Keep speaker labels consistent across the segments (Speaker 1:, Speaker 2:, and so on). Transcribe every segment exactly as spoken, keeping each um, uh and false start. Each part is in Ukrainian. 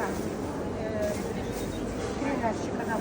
Speaker 1: Три ящика на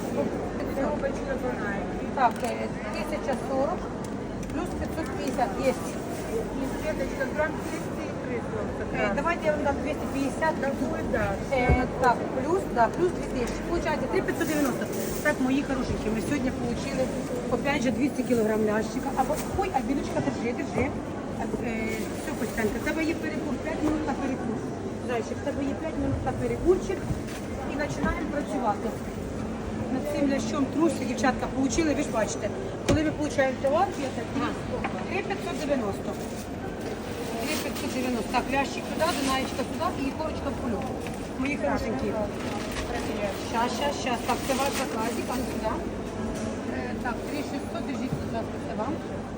Speaker 1: так, тисяча сорок плюс пятьсот пятьдесят есть.
Speaker 2: Светочка, грамм двести
Speaker 1: Э, давайте я вам дам двести пятьдесят.
Speaker 2: Такой, да.
Speaker 1: Э, так, плюс, да, плюс две тысячи. Получается три тысячи пятьсот девяносто. Так, мои хорошенькие, мы сегодня получили опять же двести килограмм лящика. А вот, ой, Альбиночка, держи, держи. Э, все, Костянька, в тебе є перекур, п'ять минут на перекур. Зайчик, в тебе є п'ять минут на перекурчик. І починаємо працювати. Над цим лящом трусі, дівчатка, получили, ви ж бачите. Коли ми получаємо товар, я так, три тисячі п'ятсот дев'яносто. три тисячі п'ятсот дев'яносто. Так, лящик туди, Дунаєчка туди і корочка в кульок. Мої хорошенькі. Щас, щас, щас. Так, це ваш заказик, а ну сюди. Е, так, три тисячі шістсот, держіть, будь ласка, це вам.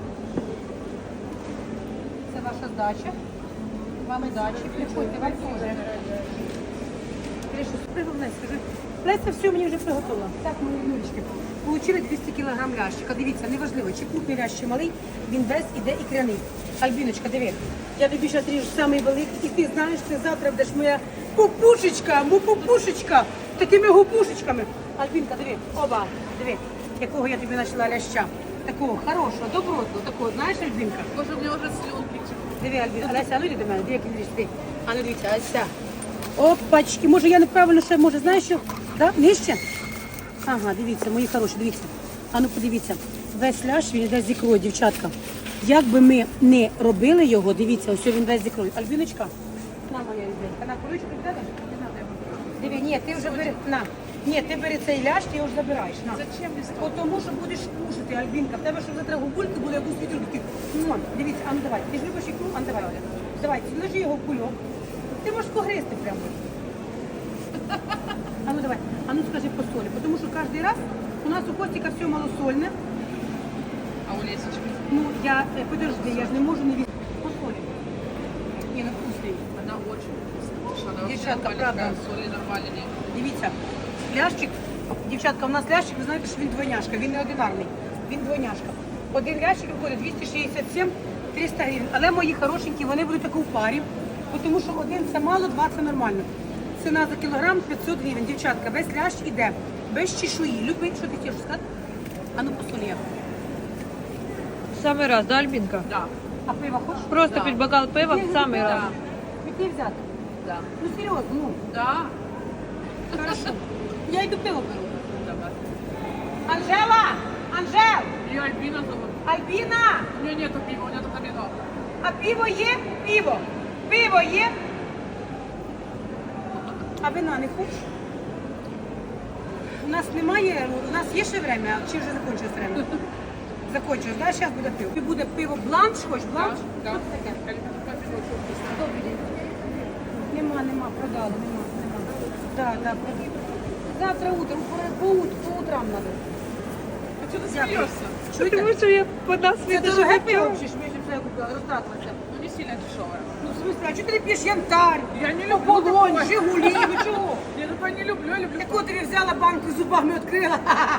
Speaker 1: Це ваша здача. Вам здачі. Приходьте, вам теж. три тисячі шістсот, головне, скажи. Леся, все, мені вже приготувала. Так, мої внучки. Получили двісті кілограм лящика. Дивіться, неважливо, чи крупний лящ, чи малий, він весь іде ікряний. Альбіночка, диви, я тобі зараз ріжу самий великий, і ти знаєш, ти завтра будеш моя пупушечка, му пупушечка, такими гупушечками. Альбінка, диви, оба, диви, якого я тобі почала ляща. Такого хорошого, добротного, такого, знаєш, Альбінка?
Speaker 2: Може, у мене вже слюнки.
Speaker 1: Диви, Альбінка, Леся, а ну йди до мене, диви, як він ріж, диви. А ну дивіться, Ася. Опачки, може я неправильно ще, може, знаєш що? Да? Нижче? Ага, дивіться, мої хороші, дивіться. А ну подивіться, весь ляш він йде з ікрою, дівчатка. Як би ми не робили його, дивіться, ось він весь з ікрою. Альбіночка, на моя ріденька, на куличку піде? Не надо його. Диви, ні, ти вже бери, на. Ні, ти бери цей ляш, ти його ж забираєш, на.
Speaker 2: Зачем мені
Speaker 1: От тому, що будеш кушати, Альбінка. В тебе, щоб завтра губульки були, як у світру, такі. Ну, дивіться, а ну давай, ти ж любиш ікру, а ну давай, Оля. Давай, ложи його в кульок. Ти можеш погризти прямо. А ну давай, а ну скажи по солі, тому що кожен раз у нас у Костіка все малосольне.
Speaker 2: А у Лесечки?
Speaker 1: Ну, я, е, подожди, я ж не можу не від... По солі. Ні, ну вкусний.
Speaker 2: Она очень вкусная. Она вообще
Speaker 1: Девчатка,
Speaker 2: нормальная,
Speaker 1: правда.
Speaker 2: соли нормальные.
Speaker 1: Дивіться, лящик, дівчатка, у нас лящик, ви знаєте, що він двойняшка, він не одинарний, він двойняшка. Один лящик виходить двісті шістдесят сім - триста гривень. Але мої хорошенькі, вони будуть таку в парі, тому що один це мало, два це нормально. Ціна за кілограм п'ятсот гривень. Дівчатка, весь лящ іде, без чешуї. Любить, що ти хочеш сказати? А ну по солі.
Speaker 3: Самый раз, да, Альбинка?
Speaker 2: Да,
Speaker 1: А пиво хочеш?
Speaker 3: Просто
Speaker 2: Да.
Speaker 3: пить бокал пива в самый раз.
Speaker 1: Піти взяти?
Speaker 2: да,
Speaker 1: Ну серйозно, ну,
Speaker 2: да.
Speaker 1: хорошо. Я йду пиво беру.
Speaker 2: Давай.
Speaker 1: Анжела! Анжел!
Speaker 2: Ее Альбина зовут.
Speaker 1: Альбіна!
Speaker 2: У нее нету пива, у нее только вино.
Speaker 1: А пиво є? Пиво. Пиво є? А вина не хочеш? У нас немає, у нас є ще время, а чи вже закінчилось время? Закінчилось, да? Зараз буде пиво. І буде пиво бланш, хочеш бланш?
Speaker 2: Да,
Speaker 1: Що це таке?
Speaker 2: Альбинка пиво очень вкусное.
Speaker 1: Добрий день. Нема, нема, продали, нема, нема. Да, да. Завтра утром, по, по, ут- по утрам надо.
Speaker 2: А что ты
Speaker 1: Дякую.
Speaker 2: смеешься?
Speaker 1: Чуєте?
Speaker 3: Потому что я по нас
Speaker 1: Це дороге пиво, взагалі, що ми ж це купили, розтратилося.
Speaker 2: Ну не сильно дешевое.
Speaker 1: Ну, в смысле, а чого ти не п'єш янтарь?
Speaker 2: Я не люблю
Speaker 1: Оболонь,
Speaker 2: такое.
Speaker 1: Жигулі, ну чого?
Speaker 2: Я такое не люблю, я люблю.
Speaker 1: Яку тобі взяла банку зубами відкрила?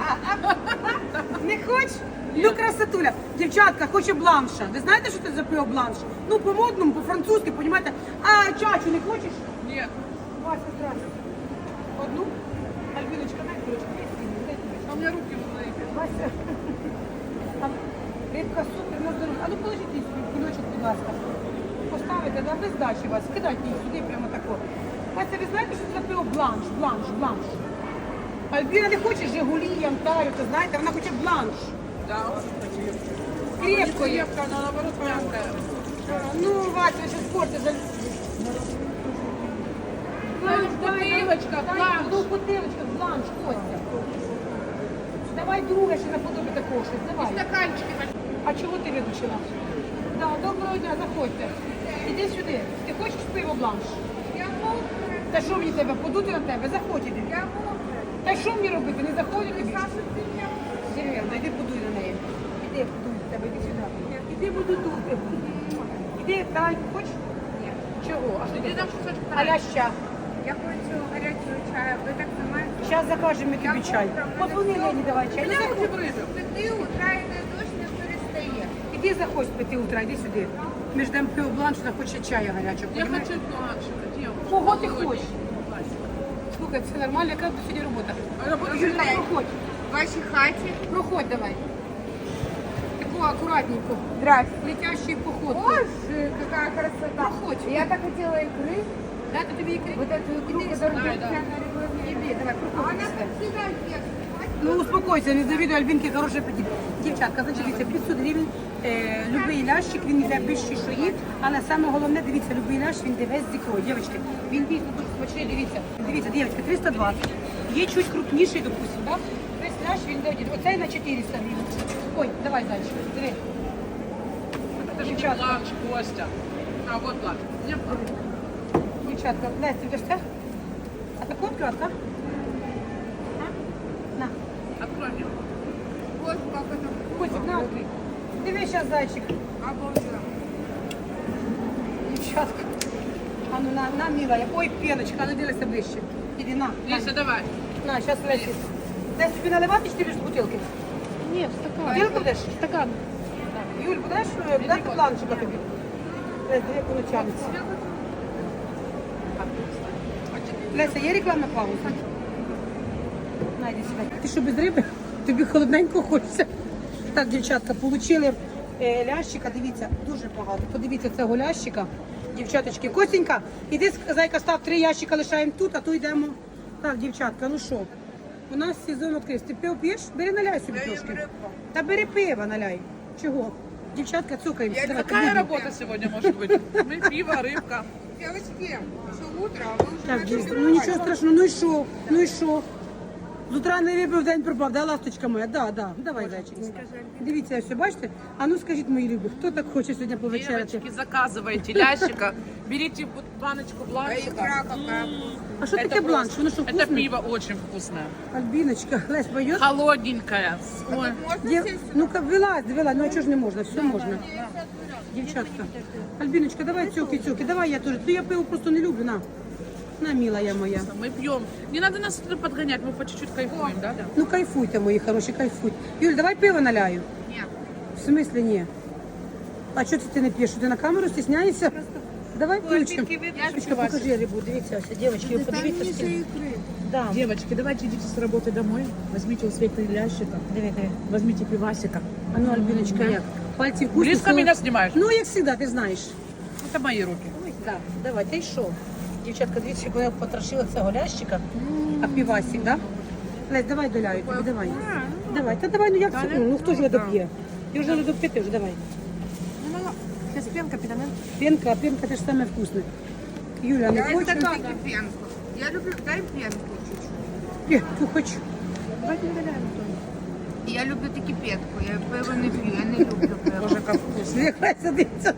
Speaker 1: Не хочеш? Ну, красотуля. Дівчатка, хоче бланша. Ви знаєте, що це за пиво бланш? Ну, по-модному, по-французьки, понімаєте? А чачу не хочеш?
Speaker 2: Нет.
Speaker 1: Вася, здравствуй. Одну? Альбіночка, дай кулечку. Дай сюди, дай кулечку.
Speaker 2: А у меня руки уже заебали.
Speaker 1: Вася. А, рибка супер, на здоров'я. А ну положіть її свій кульочок, будь ласка. Поставите, да, без здачі вас. Кидайте її сюди, прямо тако. Вася, ви знаєте, що це за пиво бланш, бланш, бланш? Альбіна не хоче Жигулі, Янтарю, то знаєте, вона хоче бланш.
Speaker 2: Да, очень красиво.
Speaker 1: Крепко є.
Speaker 2: Крепко, она наоборот мягкая.
Speaker 1: Ну, Вася, ще спорти.
Speaker 2: Ну, бутылочка, бланш.
Speaker 1: Ну, бутилочка, бланш, Костя. Давай друге ще наподобі такого щось, давай.
Speaker 2: Стаканчики.
Speaker 1: А чого ти виключила? Да, доброго дня, заходьте. Іди сюди. Ти хочеш пиво бланш?
Speaker 2: Я могу.
Speaker 1: Та що мені тебе, подути на тебе? Заходь іди.
Speaker 2: Я могу.
Speaker 1: Та що мені робити? Не заходить тобі?
Speaker 2: Саша, ты меня...
Speaker 1: Серйозно, іди подуй на неї. Іди подуй на тебе, іди сюди. Іди буду тут. Іди, давай, хочеш?
Speaker 2: Нет.
Speaker 1: Чого? А що
Speaker 2: Иди
Speaker 1: ти
Speaker 2: нам
Speaker 1: хочеш?
Speaker 2: кусочек
Speaker 1: А ляща?
Speaker 2: Я хочу горячего чая. Вы так снимаете?
Speaker 1: Зараз закажемо тобі
Speaker 2: Я
Speaker 1: чай.
Speaker 2: утром
Speaker 1: Подзвони
Speaker 2: надо
Speaker 1: Лені, давай чай.
Speaker 2: Меня
Speaker 1: Ну,
Speaker 2: руки
Speaker 1: заходь.
Speaker 2: брызжут. Ты утра это дождь не перестає.
Speaker 1: Іди заходь з п'яти утра, іди сюди. Ми ждемо пиво бланш, вона хоче чаю гарячого.
Speaker 2: Я
Speaker 1: понімаєш?
Speaker 2: хочу бланш. Где он?
Speaker 1: Кого ти
Speaker 2: Холодненький.
Speaker 1: хочеш?
Speaker 2: Вася.
Speaker 1: Слухай, це нормально, яка тут сьогодні робота?
Speaker 2: Робота
Speaker 1: Юль,
Speaker 2: людей.
Speaker 1: проходь,
Speaker 2: В вашій хаті.
Speaker 1: проходь давай. Таку акуратненько,
Speaker 2: Здрасте.
Speaker 1: летящий поход.
Speaker 2: Боже, какая красота.
Speaker 1: Проходь.
Speaker 2: Я так хотела икры.
Speaker 1: Дати тобі ікри?
Speaker 2: Вот эту икру,
Speaker 1: Иди
Speaker 2: которую
Speaker 1: сюда,
Speaker 2: я
Speaker 1: да.
Speaker 2: на регламенте.
Speaker 1: Іди, давай,
Speaker 2: А
Speaker 1: проходь.
Speaker 2: она как всегда ест.
Speaker 1: Ну успокойся, не завідуй Альбінки, хороший апетит. Дівчатка, значить, дивіться, п'ятсот гривень, е, любий лящик, він йде без чешуї, але саме головне, дивіться, любий лящ, він йде весь з ікрою. Дівчатки, він дійсно дуже смачний, дивіться. Дивіться, дівчатка, триста двадцять. Є чуть крупніший, допустим, так? Весь лящ, він йде, один. Оцей на чотириста гривень. Ой, давай, зайчик, диви. Дівчатка,
Speaker 4: Ланч, Костя. А вот ланч. Мне
Speaker 1: дівчатка, Лесь, ти будеш це? А таку відкривати, так? На.
Speaker 4: открой мне.
Speaker 2: Боже, как это
Speaker 1: Котик, на, відкрий. Диви, зараз, зайчик.
Speaker 2: обалденно.
Speaker 1: Дівчатка. А ну на, на, милая. Ой, пеночка, а ну дивися ближче. Іди на. на.
Speaker 4: Лиса, давай.
Speaker 1: На, зараз Лесі. Десь тобі наливати чи ти будеш з бутилки?
Speaker 3: Ні, в стакан.
Speaker 1: Бутилку будеш?
Speaker 3: Стакан.
Speaker 1: Юль, будеш е, дати планчика тобі? Лесь, диви, як воно тягнеться. Леся, є рекламна пауза? Найди себе. Ти що, без риби? Тобі холодненько хочеться. Так, дівчатка, получили е, лящика, дивіться, дуже багато. Подивіться цього лящика. Дівчаточки, Костенька, іди, зайка, став три ящика, лишаємо тут, а то йдемо. Так, дівчатка, ну що? У нас сезон відкрився. Ти пиво п'єш? Бери, наляй собі трошки. Та бери пиво, наляй. Чого? Дівчатка, цукаємося. Давай,
Speaker 4: Какая
Speaker 1: будемо.
Speaker 4: работа сегодня может быть? Мы пиво, рыбка.
Speaker 2: Девочки, еще утро, а вы уже
Speaker 1: Так,
Speaker 2: начали
Speaker 1: дівчатка, ну нічого страшного, ну і що? Ну і що? З утра не випив, день пропав, да, ласточка моя? Да, да. Давай, зайчик. Дивіться, все, бачите? А ну скажіть, мої любі, хто так хоче сьогодні повечеряти?
Speaker 4: Девочки, заказывайте лящика, берите вот баночку
Speaker 2: А икра
Speaker 4: бланчика.
Speaker 2: какая.
Speaker 1: А що
Speaker 4: Это
Speaker 1: таке бланш?
Speaker 4: просто-
Speaker 1: Воно що,
Speaker 4: Это
Speaker 1: вкусне?
Speaker 4: пиво очень вкусное.
Speaker 1: Альбіночка, Лесь, поїдь?
Speaker 4: Холодненькое. Ой.
Speaker 2: Можно
Speaker 1: Дів...
Speaker 2: сесть?
Speaker 1: Ну-ка, вилазь, вилазь, ну а чого ж не можна? Все можна. Дівчатка. Альбіночка, давай цюки-цюки, давай я теж. Ну я пиво просто не люблю, на. На, милая моя.
Speaker 4: Мы пьем. Не надо нас туда подгонять, мы по чуть-чуть кайфуем, да?
Speaker 1: Ну кайфуйте, мої хороші, кайфуйте. Юль, давай пиво наляю.
Speaker 2: Нет.
Speaker 1: В смысле ні? А що це ти не п'єш? Що ти на камеру стісняєшся? Давай ключиком. Яшечка, покажи рибу, дивіться, ось, дівчатки, ви подивіться. скільки. Да.
Speaker 4: Девочки, давайте идите с работы домой, возьмите у Светы лящика,
Speaker 1: Диви, диви.
Speaker 4: возьмите пивасика.
Speaker 1: А ну, Альбіночка, як? Пальці вкусні.
Speaker 4: Близко
Speaker 1: солод-
Speaker 4: меня снимаешь?
Speaker 1: Ну, як завжди, ти знаєш.
Speaker 4: Это мои руки.
Speaker 1: Ой, так, давай, ти йшов. Дівчатка, дивіться, як вона потрошила цього лящика. А півасик, да? Лесь, давай доляю тобі, давай. Давай, та давай, ну як це? Ну, ну хто ж його доп'є? Ти вже не доп'єти вже, давай.
Speaker 3: Сейчас пенка підане.
Speaker 1: Пенка, а пенка теж саме вкусне. Юля, не
Speaker 2: Я
Speaker 1: хочеш?
Speaker 2: стакан пенку. Я люблю, дай пенку чуть-чуть.
Speaker 1: Пенку хочу.
Speaker 3: Давайте не валяємо.
Speaker 2: Я люблю таки пенку, я пиво не пью, я не люблю пиво.
Speaker 4: Боже, как вкусно.
Speaker 1: Нехай садиться.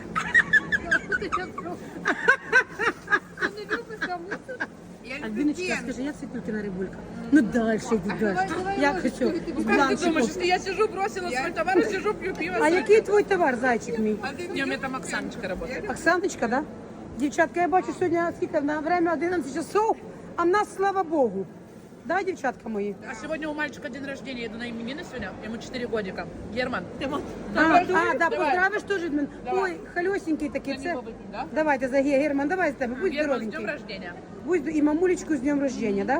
Speaker 2: Я люблю
Speaker 1: Альбіночка,
Speaker 2: пенку.
Speaker 1: скажи, як Світулькина рибулька? Ну далі йди, далі. Як хочу? З
Speaker 4: Как ты думаешь,
Speaker 1: бланчиком.
Speaker 4: если я сижу, бросила свой товар и сижу, пью пиво?
Speaker 1: А який твій товар, зайчик мій?
Speaker 4: Не, у меня там Оксаночка работает.
Speaker 1: Оксаночка, да? Дівчатка, я бачу сьогодні скільки на время одинадцять часов, а в нас, слава Богу. Да, дівчатка мої?
Speaker 4: А сегодня у мальчика день рождения, еду на именины сегодня, ему четыре годика. Герман.
Speaker 1: А, а, да,
Speaker 4: Давай.
Speaker 1: поздравиш теж від мене.
Speaker 4: Давай.
Speaker 1: Ой, хальосенький такий,
Speaker 4: За
Speaker 1: це.
Speaker 4: него выпьем, да?
Speaker 1: Давайте за Ге- Герман, давай з тебе, будь
Speaker 4: Герман, с днем
Speaker 1: здоровенький.
Speaker 4: рождения.
Speaker 1: Будь і мамулечку з днем рождения, да?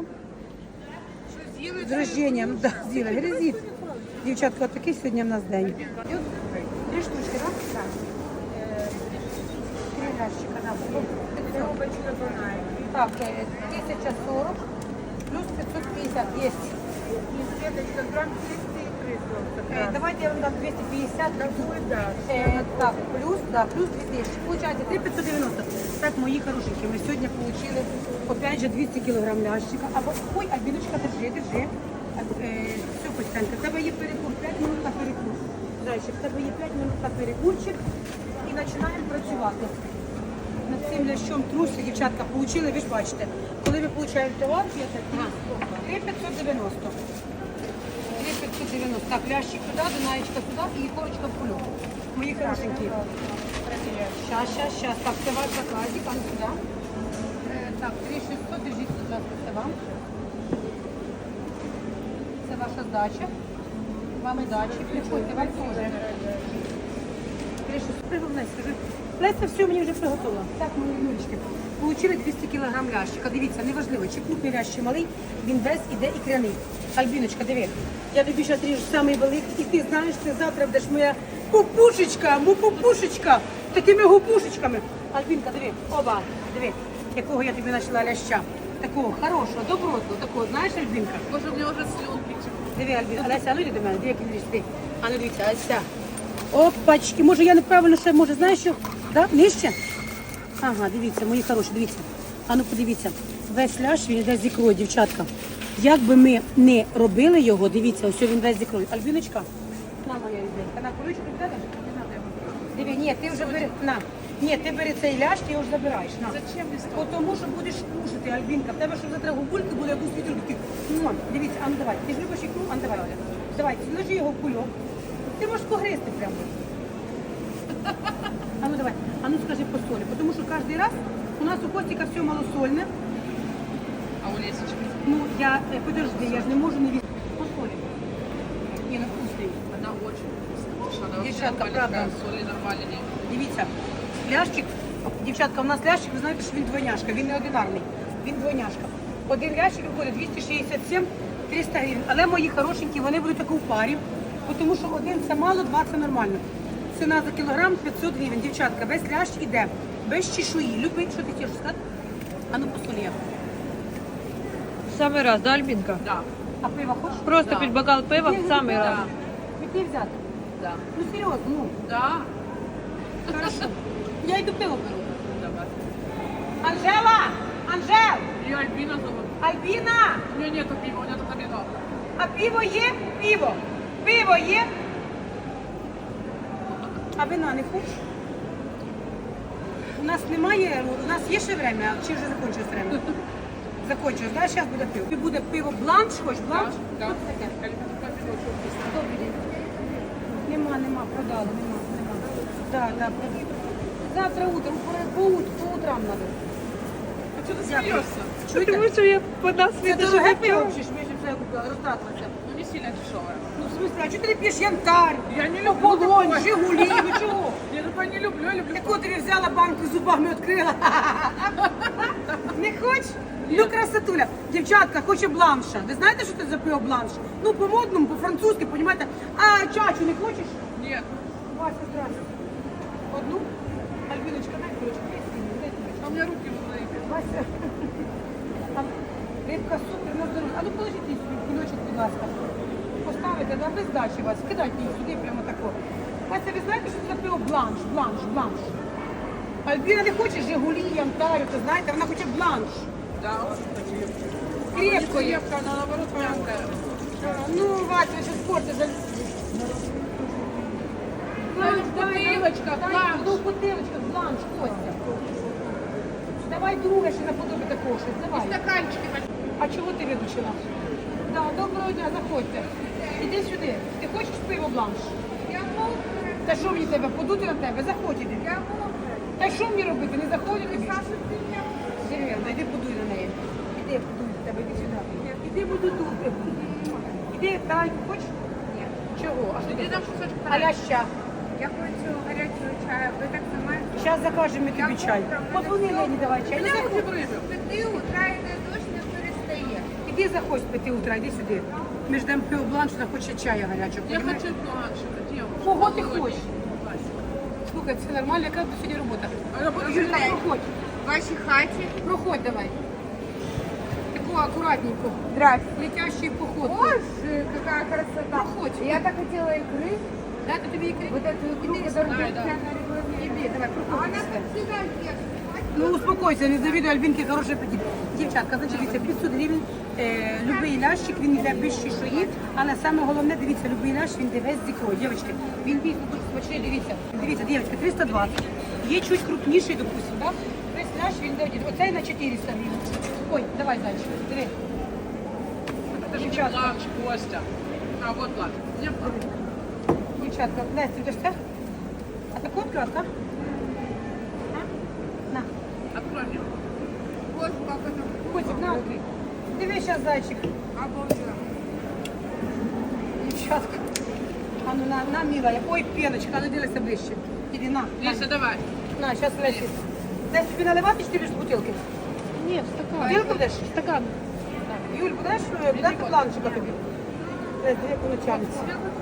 Speaker 1: З рождением, да, Зіна, грязить. Дівчатка, от такий сьогодні в нас день. Три штучки, так? Так. Е, Три ящика, да.
Speaker 2: Коробочка банальная.
Speaker 1: Так, е, тисяча сорок плюс пятьсот пятьдесят есть.
Speaker 2: И Светочка, грамм триста икры просто.
Speaker 1: Е, Давайте я вам дам двести пятьдесят.
Speaker 2: Такой, да.
Speaker 1: Е, Так, плюс, да, плюс дві тисячі. Получається три п'ятсот дев'яносто. Так, мої хорошенькі, ми сьогодні отримали, опять же, двісті кілограм лящика. Або, ой, Альбіночка, держи, держи. А, е, Все, Костянка, в тебе є перекур, п'ять минут на перекур. Зайчик, в тебе є п'ять минут на перекурчик і починаємо працювати. Над цим лящом труси, дівчатка, получили, ви ж бачите. Коли ми получаємо товар, це три п'ятсот дев'яносто. три п'ятсот дев'яносто. Так, лящик туди, дунаєчка туди і ікорочка в кульок. Мої хорошенькі. Щас, щас, щас. Так, це ваш заказик, а ну сюди. Е, Так, три шістсот, держіть, будь ласка, це вам. Це ваша здача. Вам і дачі. Приходьте, вам теж. три шістсот. Головне, скажи. Леся, все, мені вже приготувала. Так, мої Юрочки, получили двісті кілограм лящика. Дивіться, неважливо, чи крупний лящ, чи малий, він весь іде ікряний. Альбіночка, диви, я тобі зараз ріжу самий великий, і ти знаєш, ти завтра будеш моя пупушечка, му пупушечка, такими гупушечками. Альбінка, диви, оба, диви, якого я тобі знайшла ляща. Такого хорошого, добротного, такого, знаєш, Альбінка?
Speaker 4: Боже, у меня уже слюнки текут.
Speaker 1: Диви, Альбіна, Олеся, а ну йди до мене, диви, як він ріжти. А ну дивіться, ось ця. Опачки, може я неправильно ще, може, знаєш що? Да? Нижче? Ага, дивіться, мої хороші, дивіться. А ну подивіться, весь ляш він йде з ікрою, дівчатка. Як би ми не робили його, дивіться, ось він весь з ікрою. Альбіночка, на моя рідненька, на куличку підеш? Не надо його. Диви, ні, ти вже бери, на. Ні, ти бери цей ляш, ти його ж забираєш. На.
Speaker 4: Зачем мне
Speaker 1: Бо тому що будеш кушати, Альбінка. В тебе що завтра губульки буде, як у світру такі. Муа. Дивіться, а ну давай. Ти ж любиш ікру? А ну давай. Оля. Давай, ложи його в кульок. Ти можеш погризти прямо. А ну давай. А ну скажи по солі. Тому що кожен раз у нас у Костіка все малосольне.
Speaker 4: А у Лесечки?
Speaker 1: Ну, я, е, подожди, я ж не можу не візти. По солі. Ні, ну вкусний.
Speaker 4: Она очень вкусная. Потому что она вообще
Speaker 1: Девчатка,
Speaker 4: нормально
Speaker 1: правда.
Speaker 4: такая, соли нормально нет.
Speaker 1: Дивіться, лящик, дівчатка, у нас лящик, ви знаєте, що він двойняшка, він не одинарний, він двойняшка. Один лящик виходить двісті шістдесят сім - триста гривень. Але мої хорошенькі, вони будуть таку в парі, тому що один це мало, два це нормально. Ціна за кілограм п'ятсот гривень. Дівчатка, весь лящ іде, без чешуї. Любить, що ти хочеш сказати? А ну по солі.
Speaker 3: Самый раз, да, Альбинка?
Speaker 4: Да,
Speaker 1: А пиво хочеш?
Speaker 3: Просто
Speaker 4: Да.
Speaker 3: пить бокал пива в самый раз.
Speaker 1: Піти взяти.
Speaker 4: да,
Speaker 1: Ну серйозно, ну,
Speaker 4: да.
Speaker 1: хорошо. Я йду пиво беру.
Speaker 4: Давай.
Speaker 1: Анжела! Анжел!
Speaker 4: Ее Альбина зовут.
Speaker 1: Альбіна!
Speaker 4: У нее нету пива, у нее только вино.
Speaker 1: А пиво є? Пиво. Пиво є? А вина не хочеш? У нас немає, у нас є ще время, чи вже закінчилось время? Закінчилось, да? Зараз буде пиво. І буде пиво бланш, хочеш бланш?
Speaker 4: Да.
Speaker 1: Що це таке?
Speaker 4: Альбина пиво очень вкусное.
Speaker 1: Добрий день. Нема, нема, продали, нема, нема. Да, да, продали. Завтра утром, по, по, ут- по утрам надо.
Speaker 4: А что ты
Speaker 1: Дякую.
Speaker 4: смеешься?
Speaker 1: Чуєте?
Speaker 3: Потому что я по нас
Speaker 1: Це дороге пиво, чи ж ми ж це купили, розтратилося.
Speaker 4: Ну не сильно дешевое.
Speaker 1: Ну, в смысле, а чого ти не п'єш янтарь?
Speaker 4: Я не люблю
Speaker 1: Полонь,
Speaker 4: такое.
Speaker 1: Жигулі, ну чого?
Speaker 4: Я такое не люблю, я люблю.
Speaker 1: Яку тобі взяла банку зубами відкрила? Не хочеш? Ну, красотуля. Дівчатка, хоче бланша. Ви знаєте, що це за пиво бланш? Ну, по-модному, по-французьки, понімаєте? А чачу не хочеш?
Speaker 4: Нет.
Speaker 1: Вася, здрасте. Одну? Альбіночка, дай кулечку. Дай сильно, дай кулечку.
Speaker 4: А у меня руки уже заебали.
Speaker 1: Вася. А, рибка супер, на здоров'я. А ну положіть її собі в кульочок, будь ласка. Поставите, да, без здачі вас. Кидайте її сюди, прямо тако. Вася, ви знаєте, що це за пиво бланш, бланш, бланш? Альбіна не хоче Жигулі, Янтарю, то знаєте, вона хоче бланш.
Speaker 4: Да, вот такие.
Speaker 1: Крепко є.
Speaker 4: Крепко, она наоборот мягкая.
Speaker 1: Ну, Вася, що спорти за... Бланш,
Speaker 4: бутилочка,
Speaker 1: дай,
Speaker 4: бланш.
Speaker 1: Ну, бутилочка, бланш, Костя. Давай друге, ще наподобі такого щось, давай.
Speaker 4: Стаканчики.
Speaker 1: А чого ти виключила? Да, доброго дня, заходьте. Іди сюди. Ти хочеш пиво бланш?
Speaker 2: Я мокра,
Speaker 1: Та що мені тебе, подути на тебе? Заходь іди.
Speaker 2: я мокра.
Speaker 1: Та що мені робити? Не заходь тобі?
Speaker 2: Саша, ты меня
Speaker 1: Серйозно, іди подуй на неї. Іди, подуй на тебе, іди сюди. Іди буду дути. Іди, давай, хочеш?
Speaker 2: нет.
Speaker 1: Чого? А що
Speaker 4: Иди
Speaker 1: ти?
Speaker 4: нам кусочек
Speaker 1: А ляща.
Speaker 2: Я хочу горячего чая. Вы так снимаете?
Speaker 1: Зараз закажемо ми тобі чай. Подзвони Лені, давай чай.
Speaker 4: Меня
Speaker 1: Ну,
Speaker 4: руки
Speaker 1: заходь.
Speaker 4: в рыбе.
Speaker 2: Пяти утра это дождь не перестає.
Speaker 1: Іди заходь з п'яти утра, іди сюди. Ми ждемо пиво бланш, вона хоче чаю гарячого.
Speaker 4: Я
Speaker 1: понімаєш?
Speaker 4: хочу бланшика, девушка.
Speaker 1: Кого ти
Speaker 4: Молодец.
Speaker 1: хочеш? Слухай, це нормально, яка тут сьогодні робота?
Speaker 4: А я буду
Speaker 1: Юля,
Speaker 2: ждать.
Speaker 1: проходь,
Speaker 2: В вашей хате.
Speaker 1: проходь давай. Таку акуратненько.
Speaker 2: Здравствуйте.
Speaker 1: Летящий поход.
Speaker 2: Боже, какая красота.
Speaker 1: Проходь.
Speaker 2: Я так хотела икры.
Speaker 1: Дати тобі ікри?
Speaker 2: Вот эту икру,
Speaker 1: Иди
Speaker 2: которую
Speaker 4: сюда,
Speaker 2: я
Speaker 4: да.
Speaker 2: специально регламент.
Speaker 1: Іди, давай,
Speaker 2: А
Speaker 1: проходь.
Speaker 2: она
Speaker 1: сюди.
Speaker 2: как всегда ест.
Speaker 1: Ну успокойся, не завідуй Альбінки, хороший апетит. Дівчатка, значить, дивіться, п'ятсот гривень, е, любий лящик, він йде без чешуї, але саме головне, дивіться, любий лящ, він йде весь з ікрою. Дівчатки, він дійсно дуже смачний, дивіться. Дивіться, дівчатки, триста двадцять. Є чуть крупніший, допустим, так? Весь лящ, він йде, один. Оцей на чотириста гривень. Ой, давай далі, диви.
Speaker 4: Это же не
Speaker 1: Девчатка.
Speaker 4: бланш, Костя. А вот бланш. Мне в руку.
Speaker 1: Дівчатка, Настя, ти ж це? А таку відкривати, так? На.
Speaker 4: Открой мне.
Speaker 2: Боже, как это
Speaker 1: Котик, на, відкрий. Диви, зараз, зайчик.
Speaker 2: обалденно.
Speaker 1: Дівчатка. А ну на, на, милая. Ой, пеночка, ну дивися ближче. Іди на. на.
Speaker 4: Лиса, давай.
Speaker 1: На, зараз Лесі. Десь тобі наливати чи ти будеш з бутилки?
Speaker 3: Ні, стакан.
Speaker 1: Бутилку будеш?
Speaker 3: Стакан.
Speaker 1: Юль, будеш е, дати планчика тобі? Лесь, дві получалися.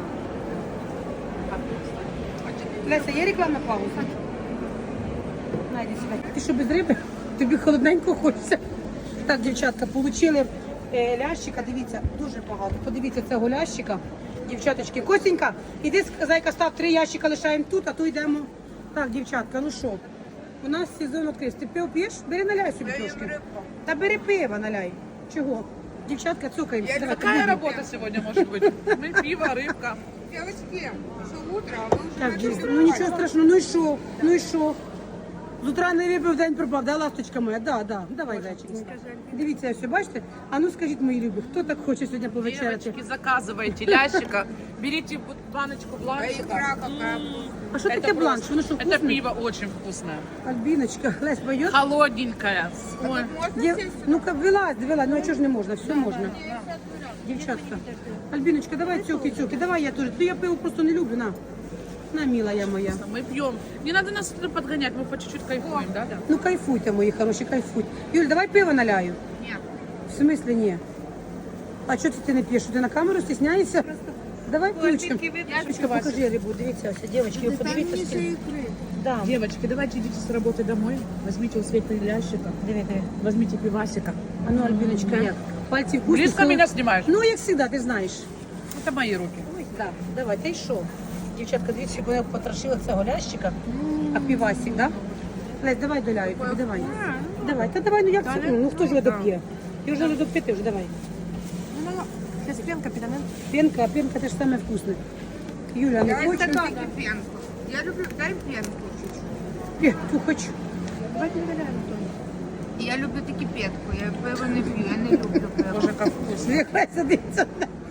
Speaker 1: Леся, є рекламна пауза? Найди себе. Ти що, без риби? Тобі холодненько хочеться. Так, дівчатка, получили е, лящика, дивіться, дуже багато. Подивіться цього лящика. Дівчаточки, Костенька, іди, зайка, став три ящика, лишаємо тут, а то йдемо. Так, дівчатка, ну що, у нас сезон відкрився. Ти пиво п'єш? Бери, наляй собі трошки. Та бери пиво, наляй. Чого? Дівчатка, цукаємо. Давайте,
Speaker 4: Какая
Speaker 1: будемо.
Speaker 4: работа сегодня может быть? Мы пиво, рыбка.
Speaker 2: Девочки, что утро, а вы уже
Speaker 1: Так,
Speaker 2: начали
Speaker 1: дійсно, ну нічого страшного, ну і що? Ну і що? З утра не випив, день пропав, да, ласточка моя? Да, да. Давай, зайчик. Дивіться, все, бачите? А ну скажіть, мої любі, хто так хоче сьогодні повечеряти?
Speaker 4: Девочки, заказывайте лящика, берите вот баночку
Speaker 2: А
Speaker 4: бланчика.
Speaker 2: икра какая вкусная.
Speaker 1: А що таке
Speaker 4: Это
Speaker 1: бланш?
Speaker 4: просто-
Speaker 1: Воно що,
Speaker 4: Это
Speaker 1: вкусне?
Speaker 4: пиво очень вкусное.
Speaker 1: Альбіночка, Лесь, пойдет?
Speaker 4: Холодненькое. Ой.
Speaker 2: Можно
Speaker 1: Дів...
Speaker 2: сесть?
Speaker 1: Ну-ка, вилазь, вилазь, ну а чого ж не можна? Все можна. Дівчатка. Альбіночка, давай цюки-цюки, давай я теж. Ну я пиво просто не люблю, на. На, милая моя.
Speaker 4: Мы пьем. Не надо нас туда подгонять, мы по чуть-чуть кайфуем, да? Да.
Speaker 1: Ну кайфуйте, мої хороші, кайфуйте. Юль, давай пиво наляю.
Speaker 2: Нет.
Speaker 1: В смысле ні? А що це ти не п'єш? Ти на камеру стісняєшся? Давай ключком. Ключка, покажи рибу, дивіться, ось, дівчатки, ви подивіться.
Speaker 2: Ниже
Speaker 1: скільки.
Speaker 2: икры.
Speaker 1: Да.
Speaker 4: Девочки, давайте идите с работы домой, возьмите у Светы лящика,
Speaker 1: Диви, диви.
Speaker 4: возьмите пивасика.
Speaker 1: А ну, Альбіночка, як? Пальці вкусні.
Speaker 4: Близко
Speaker 1: солод-
Speaker 4: меня снимаешь?
Speaker 1: Ну, як завжди, ти знаєш.
Speaker 4: Это мои руки.
Speaker 1: Ось так, давай, ти що? Дівчатка, дивіться, щоб вона потрошила цього лящика, а півасик, да? Лесь, давай доляю тобі, давай. Давай, та давай, ну як це? Ну, хто ж його доп'є? Ти вже не доп'єти вже, давай.
Speaker 3: Зараз пенка піде, не?
Speaker 1: Пенка, а пенка теж саме вкусне. Юля, не
Speaker 2: Дай
Speaker 1: хоче?
Speaker 2: стаканчик пенку. Я люблю, дай пенку чуть-чуть.
Speaker 1: Пенку хочу.
Speaker 3: Давайте не валяємо.
Speaker 2: Я люблю таки петку, я пиво не пью, я не люблю пиво.
Speaker 4: Боже, как вкусно.
Speaker 1: Нехай садиться.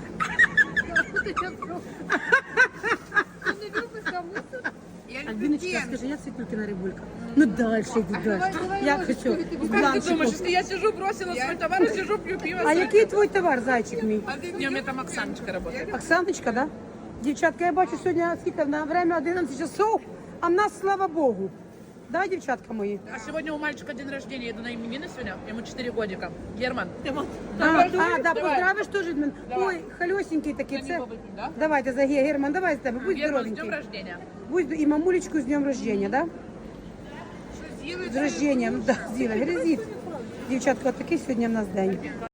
Speaker 2: Я люблю
Speaker 1: Альбіночка,
Speaker 2: пенку.
Speaker 1: скажи, як Світулькина рибулька? Ну далі, йди далі. Я хочу з
Speaker 4: Как ты думаешь,
Speaker 1: бланчиком.
Speaker 4: если я сижу, бросила свой товар и сижу, пью пиво?
Speaker 1: А який твій товар, зайчик мій?
Speaker 4: Не, у меня там Оксаночка работает.
Speaker 1: Оксаночка, да? Дівчатка, я бачу сьогодні скільки на время одинадцять часов, а в нас, слава Богу. Да, дівчатка мої?
Speaker 4: А сегодня у мальчика день рождения, еду на именины сегодня, ему четыре годика. Герман,
Speaker 1: А, а, да,
Speaker 4: Давай.
Speaker 1: поздравиш теж від мене.
Speaker 4: Давай.
Speaker 1: Ой, хальосенький такий,
Speaker 4: За
Speaker 1: це.
Speaker 4: нього вип'ємо, да?
Speaker 1: Давайте, за Ге- Герман, давай з тебе, будь
Speaker 4: Герман, с
Speaker 1: здоровенький.
Speaker 4: днем рождения.
Speaker 1: Будь і мамулечку з днем рождения, да? З рождением, да, Зіна, грязить. Дівчатка, от такий сьогодні в нас день.